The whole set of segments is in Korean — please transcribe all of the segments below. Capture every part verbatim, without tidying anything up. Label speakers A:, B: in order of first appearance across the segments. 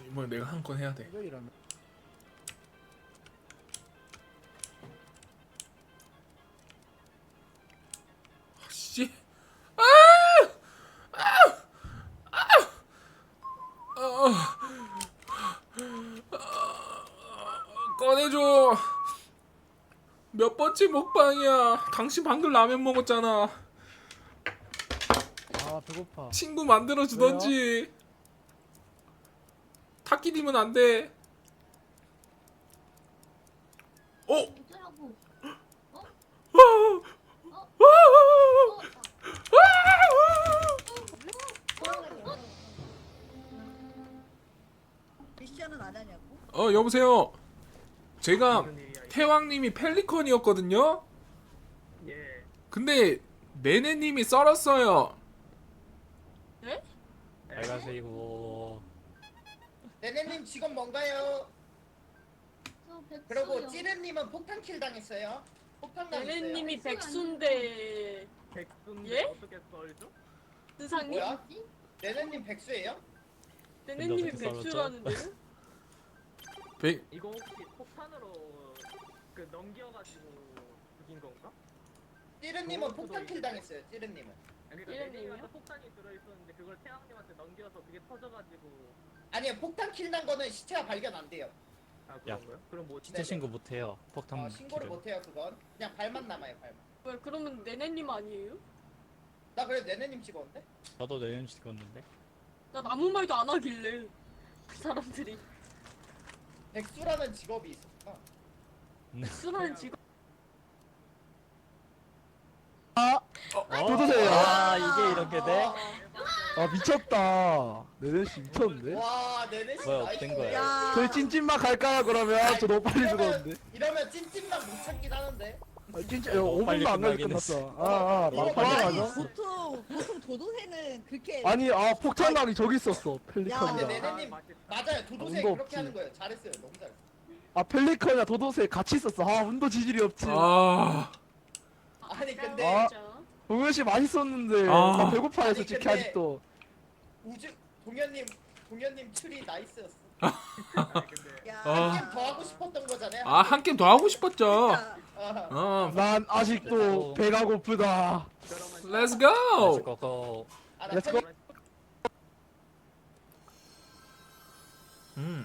A: 이번에 내가 한 건 해야 돼.
B: 이러면
A: 아, 씨. 꺼내줘. 몇 번째 먹방이야. 당신 방금 라면 먹었잖아.
B: 아 배고파.
A: 친구 만들어 주던지. 타키님은 안 돼. 어?
C: 어쩌라고? 어?
D: 미션은 안 하냐고?
A: 어 여보세요. 제가 태왕님이 펠리컨이었거든요.
E: 예.
A: 근데 네네님이 썰었어요.
C: 네?
E: 빨간색이고.
F: 네네님 직업 뭔가요?
C: 저 백수요.
F: 그리고 찌르님은 폭탄킬 당했어요. 폭탄 당했어요.
G: 네네님이 백수인데
E: 백수인데
G: 예?
E: 어떻게 썰죠?
G: 스상님?
F: 뭐야? 네네님 백수예요?
G: 네네님이
E: 근데 어떻게
G: 백수라는데요?
A: 백
E: 이거 혹시 폭탄으로 그 넘겨가지고 죽인 건가?
F: 찌르님은
E: 그것도
F: 폭탄킬
E: 있-
F: 당했어요. 찌르님은.
E: 아니, 그러니까
G: 이름이요?
E: 네네님한테 폭탄이 들어있었는데 그걸 태양님한테 넘겨서 그게 터져가지고.
F: 아니요, 폭탄킬 난 거는 시체가 발견 안 돼요.
E: 아 그런 거요? 그럼 뭐
H: 시체 신고 못해요. 폭탄
F: 어, 신고를
H: 키를.
F: 못 해요 그건. 그냥 발만 남아요 발만.
G: 왜 그러면 네네님 아니에요?
F: 나 그래 네네님 찍었는데?
H: 저도 내년 찍었는데.
G: 난 아무 말도 안 하길래 그 사람들이
F: 백수라는 직업이 있었구나.
G: 백수라는 직업
B: 도도새야.
H: 아 이게 이렇게 돼?
B: 아 미쳤다. 네네씨 미쳤는데?
F: 와 네네씨
H: 뭐야,
F: 나이스.
H: 어떤 거야?
D: 야.
B: 저희 찐찐막 갈까요 그러면? 저 너무 빨리
F: 이러면-
B: 죽었는데.
F: 이러면 찐찐만 못 찾긴 하는데.
B: 아, 진짜
H: 너무
B: 오
H: 빨리
B: 분도 안 가게
H: 끝나긴
B: 끝났어. 아아
F: 이거
B: 빨리
F: 아니,
B: 가자.
D: 보통 보통 도도새는 그렇게
B: 아니 아 폭탄락이 저기 있었어.
F: 근데
B: 펠리컨이랑.
F: 네네님 맞아요. 도도새
B: 운도
F: 그렇게
B: 없지.
F: 하는 거예요. 잘했어요. 너무 잘했어.
B: 아 펠리컨이랑 도도새 같이 있었어. 아 운도 지질이 없지.
A: 아
F: 아니 근데
B: 아.
G: 진짜.
B: 동현씨 맛있었는데
A: 아.
B: 나 배고파요
F: 아니,
B: 솔직히
F: 근데-
B: 아직도.
F: 우주 동현님 동현님 추리 나이스였어.
E: 근데
D: 야.
A: 아.
F: 한 게임 더 하고 싶었던 거잖아요.
A: 아 한 게임 더 하고 싶었죠.
D: 진짜.
F: 아,
A: 어
B: 난 아직도 배가 고프다.
E: 그러면
A: 렛츠 고.
H: 그거
F: 아, 나
B: Let's go.
F: 참-
A: 음.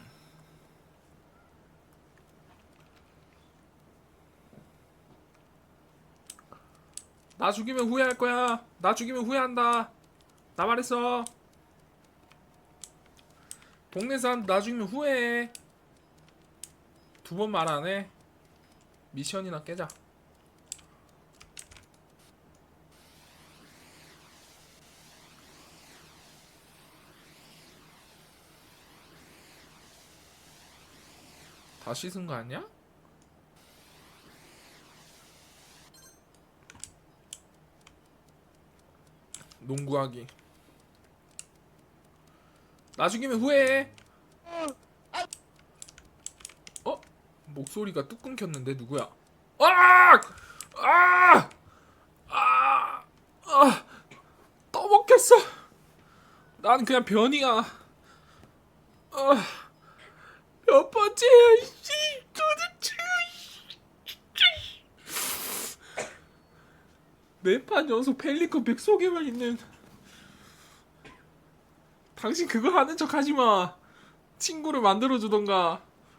A: 나 죽이면 후회할 거야. 나 죽이면 후회한다. 나 말했어. 동네 사람 나 죽이면 후회해. 두 번 말 안 해. 미션이나 깨자. 다 씻은 거 아니야? 농구하기. 나 죽이면 후회해. 어? 목소리가 뚝 끊겼는데 누구야? 아! 아! 아! 아! 떠먹겠어. 난 그냥 변이야. 아, 몇 번째야? 씨, 도대체. 네판 연속 펠리컨 백 속에만 있는. 당신 그거 하는 척 하지 마. 친구를 만들어 주던가.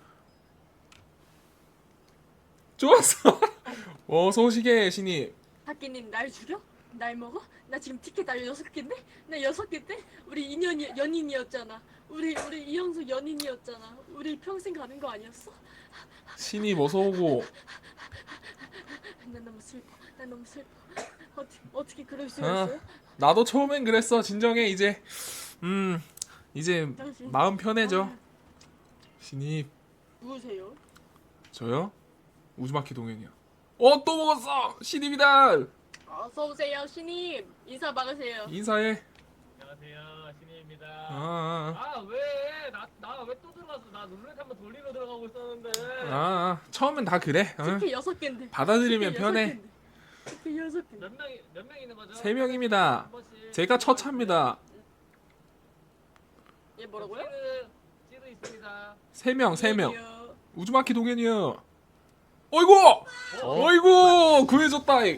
A: 좋았어. 어서 오시게 신입.
G: 학기님 날 죽여? 날 먹어? 나 지금 티켓 날 여섯 개인데? 나 여섯 개인데? 우리 인연이 연인이었잖아. 우리 우리 이영수 연인이었잖아. 우리 평생 가는 거 아니었어?
A: 신입 어서 오고.
G: 난 너무 슬퍼. 난 너무 슬퍼. 어떻게 어떻게 그럴 수
A: 아.
G: 있어요?
A: 나도 처음엔 그랬어. 진정해 이제. 음 이제
G: 당신
A: 마음 편해져.
G: 아,
A: 신입
G: 누구세요?
A: 저요? 우즈마키 동현이야. 어 또 먹었어. 신입이다.
G: 어서 오세요 신임. 인사 막으세요.
A: 인사해.
E: 안녕하세요 신입입니다.
A: 아,
E: 아 왜? 나 나 왜 또 들어갔어? 나 룰렛 한번 돌리러 들어가고 있었는데.
A: 아, 아 처음엔 다 그래. 응?
G: 티켓 여섯 개인데.
A: 받아들이면
G: 티켓
A: 편해.
G: 여섯 개인데. 티켓 여섯 개.
E: 몇 명이 몇 명 있는 거죠?
A: 세 명입니다.
E: 한 번씩.
A: 제가 처차입니다.
G: 얘 뭐라고요?
E: 찌르 찌르 있어요. 맞습니다.
A: 세 명, 세 명.
G: 이년이요.
A: 우즈마키 동현이요. 어이구!
H: 어?
A: 어이구! 구해줬다. 이.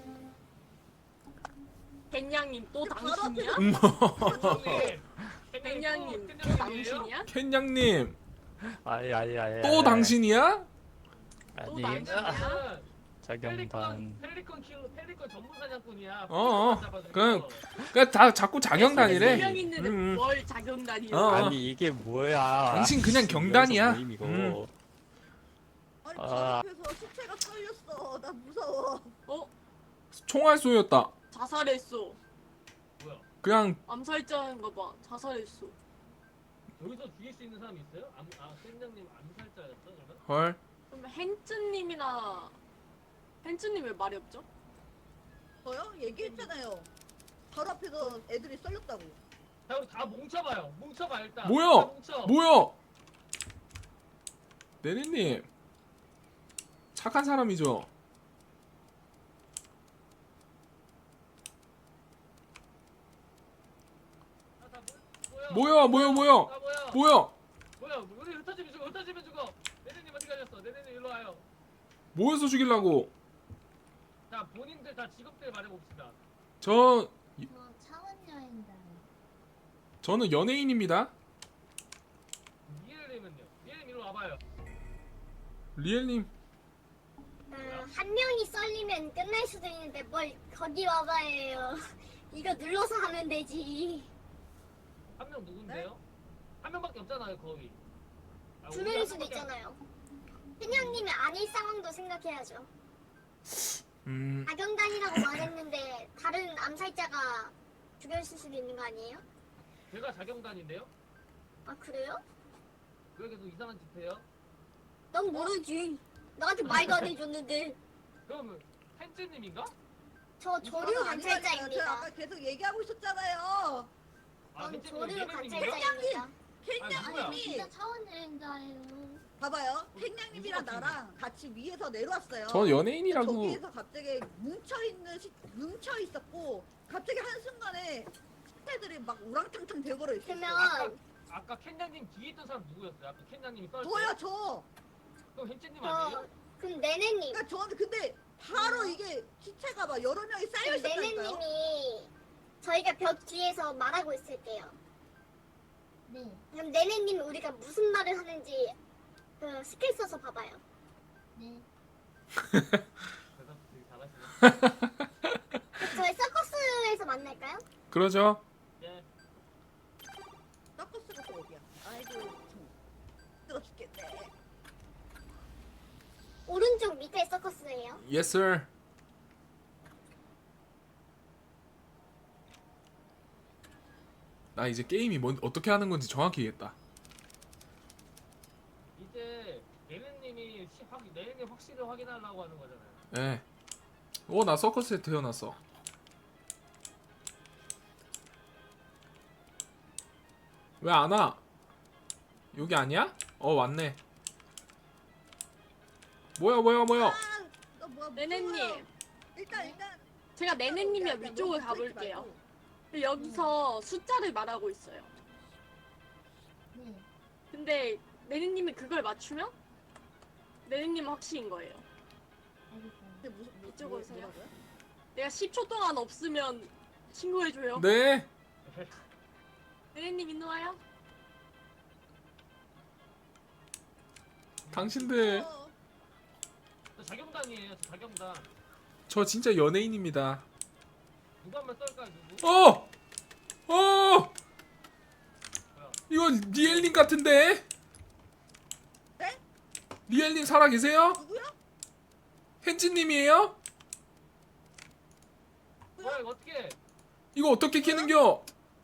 G: 갱냥님 또
D: 바로
G: 당신이야?
A: 음,
E: 형님.
G: 갱냥님 또
E: 캔냥님이에요?
G: 당신이야?
A: 켄양님
H: 아니 아니 아니.
A: 또 당신이야?
G: 또
H: 아니.
G: 당신이야?
H: 자경단.
E: 펠리컨 키우 펠리컨 전문 사냥꾼이야.
A: 어, 어.
E: 잡아주고.
A: 그냥 그냥 다 자꾸 자경단이래.
G: 명 있는데
A: 음, 음.
G: 뭘 자경단이야?
A: 어.
H: 아니 이게 뭐야?
A: 당신 그냥 경단이야.
H: 모임 이거.
A: 음.
D: 아니
H: 아.
D: 저 앞에서 시체가 썰렸어. 나 무서워.
G: 어?
A: 총알 쏘였다.
G: 자살했어.
E: 뭐야?
A: 그냥
G: 암살자인가 봐. 자살했어.
E: 여기서 죽일 수 있는 사람이 있어요? 암, 아, 캔냥님 암살자였어 그러면?
A: 헐.
G: 그럼 헨츠님이나 헨츠님 왜 말이 없죠?
D: 저요? 얘기했잖아요. 바로 앞에서 애들이 썰렸다고.
E: 자 우리 다 뭉쳐봐요. 뭉쳐봐 일단.
A: 뭐야?
E: 다 뭉쳐.
A: 뭐야? 네네님 착한 사람이죠.
E: 아, 다 모-
A: 뭐야 뭐야 뭐야
E: 아 뭐야?
A: 뭐야?
E: 뭐야? 우리 흩어지면 죽어. 흩어지면 죽어. 네네님 어디 가셨어? 네네님 일로 와요.
A: 뭐해서 죽이려고?
E: 자 본인들 다 직업들 말해봅시다.
A: 저
C: 저 차원 여행자.
A: 저는 연예인입니다.
E: 니엘님은요? 니엘님 일로 와봐요.
A: 리엘님
I: 음, 한 명이 썰리면 끝날 수도 있는데 뭘 거기 와봐요. 이거 눌러서 하면 되지.
E: 한 명 누군데요? 한 명밖에 없잖아요 거기. 아,
I: 두
E: 우리
I: 명일
E: 한
I: 수도
E: 명밖에
I: 있잖아요. 그냥님이 아닐 상황도 생각해야죠.
A: 음
I: 악영단이라고 말했는데 다른 암살자가 죽였을 수도 있는 거 아니에요?
E: 안- 제가 자경단인데요?
I: 아 그래요?
E: 왜 계속 이상한 짓 해요?
I: 넌 모르지. 나한테 말도 안 해줬는데.
E: 그럼 헨즈님인가?
I: 저 조류
D: 저는 아니라니까요. 저
I: 관찰자입니다.
D: 아까 계속 얘기하고 있었잖아요.
E: 아
I: 전
E: 헨즈님
I: 조류
E: 예능님인가?
I: 관찰자입니다.
E: 아,
D: 캔냥님이
E: 누구야?
C: 진짜 차원 여행자예요.
D: 봐봐요.
E: 무슨
D: 캔냥님이랑
E: 같은
D: 나랑 같이 위에서 내려왔어요.
A: 저 연예인이라고.
D: 저기에서 갑자기 뭉쳐 있는 시, 뭉쳐 있었고 갑자기 한 순간에 시체들이 막 우랑탕탕 돼버려 있었어요.
I: 그러면
E: 아까 캔냥님 뒤에 있던 사람 누구였어요? 아까 캔냥님이 썰 때?
D: 저요 저.
E: 그럼 헨즈님
I: 저
E: 아니에요?
I: 그럼 네네님.
D: 그러니까 저는 근데 바로 이게 시체가 막 여러 명이 쌓여
I: 그럼
D: 있었다니까요.
I: 네네님이 저희가 벽 뒤에서 말하고 있을게요.
C: 네.
I: 그럼 네네님 우리가 무슨 말을 하는지 그 스킬 써서 봐봐요.
C: 네.
E: 대답 되게 잘하시네.
I: 그 저희 서커스에서 만날까요?
A: 그러죠.
E: 예.
D: 서커스가 또 어디야? 아이고 참. 뜨거 죽겠네.
I: 오른쪽 밑에 서커스예요.
A: Yes sir. 나 이제 게임이 뭔 어떻게 하는 건지 정확히 이해했다.
E: 이제 예능님이 시- 확 내일님 확실히 확인하려고 하는 거잖아요.
A: 예. 오, 나 서커스에 태어났어. 왜 안 와? 여기 아니야? 어, 왔네. 뭐야, 뭐야, 뭐야.
D: 아, 너 뭐야?
G: 네네님.
D: 무서워요. 일단 일단
G: 제가 네네님이랑
D: 일단
G: 위쪽을
D: 너무 부딪히지
G: 가볼게요.
D: 말고.
G: 근데 여기서 숫자를 말하고 있어요.
C: 네.
G: 근데 네네님이 그걸 맞추면 네네님은 확실인 거예요.
C: 알겠어요.
D: 근데 무슨 뭐,
G: 이쪽으로
D: 뭐,
G: 오세요.
D: 뭐라고요?
G: 내가 십 초 동안 없으면 신고해줘요.
A: 네.
G: 네네님 일로 와요.
A: 당신들,
D: 어,
E: 저 자경단이에요. 저 자경단.
A: 저 진짜 연예인입니다.
E: 누구 한번 썰까요? 누구?
A: 어! 어! 이거 리엘님 같은데?
D: 네?
A: 리엘님 살아 계세요?
D: 누구야?
A: 헨지님이에요?
E: 뭐야 이거 어떻게?
A: 이거 어떻게 키는겨?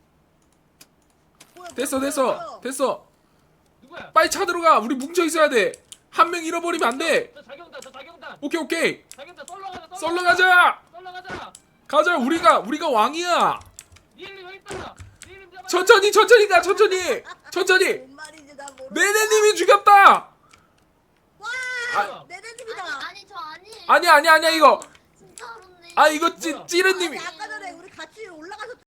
D: 뭐야,
A: 됐어,
D: 뭐야,
A: 됐어,
D: 뭐야.
A: 됐어.
E: 누구야?
A: 빨리 차 들어가. 우리 뭉쳐 있어야 돼. 한 명 잃어버리면 안 돼.
E: 저 자경단. 저 자경단.
A: 오케이, 오케이.
E: 자경단 썰러 가자.
A: 썰러 가자.
E: 썰러 가자.
A: 가자. 우리가 우리가 왕이야.
E: 니엘님 여기 있다. 니엘님 잡아.
A: 천천히, 천천히 가. 천천히, 천천히.
D: 뭔 말인지 나 모르.
A: 네네님이 죽였다.
D: 와,
E: 아,
D: 네네님이다.
C: 아니, 아니 저 아니에요.
A: 아니야, 아니야, 아니야 이거.
C: 진짜로네.
A: 아 이거 찌
E: 뭐야?
A: 찌르님이.
D: 아니, 아까 전에 우리 같이 올라가서